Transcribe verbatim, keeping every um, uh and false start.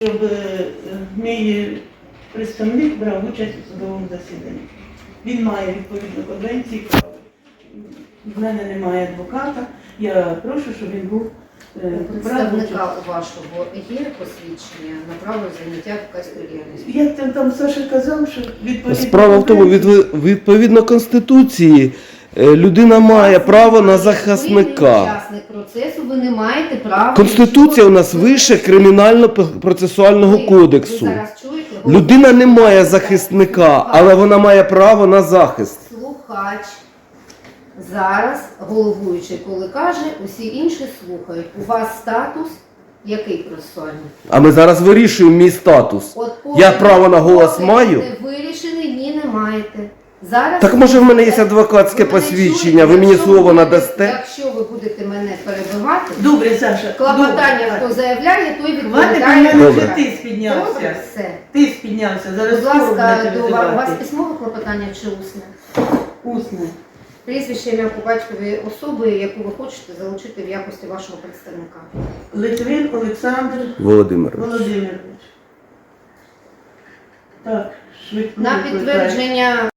Щоб е, мій представник брав участь у судовому засіданні. Він має відповідно конвенції права. В мене немає адвоката. Я прошу, щоб він був У е, представника у вашого є посвідчення на право заняття адвокатською діяльністю? Як там, там Саша казав, що відповідно Справа в тому, від, відповідно Конституції, е, людина має право на Ви захисника. учасник процесу, ви не маєте права... Конституція у нас нічого- вище Кримінально-процесуального Ви- кодексу. Ви зараз чуєте? Людина не має захисника, але вона має право на захист. Слухач. Зараз головуючий, коли каже, усі інші слухають. У вас статус який процесуальний? А ми зараз вирішуємо мій статус. От Я право на голос поки маю? не вирішений, ні, не маєте. Зараз Так може в мене є адвокатське ви мене посвідчення, чуєте? ви мені Якщо слово ви будете- надасте? Якщо ви будете мене перебивати, Добре, Саша. клопотання, добре. хто заявляє, той Хватить, у відповідає. мене Добре. вже ти спіднявся. Добре, все. Ти спіднявся. Зараз Будь ласка, будете до вас, у вас визивати. письмове клопотання чи усне? Усне. Прізвище, ім'я по батькові особи, яку ви хочете залучити в якості вашого представника. Литвин Олександр Володимир. Володимирович. Так, швидко. На викликаю. підтвердження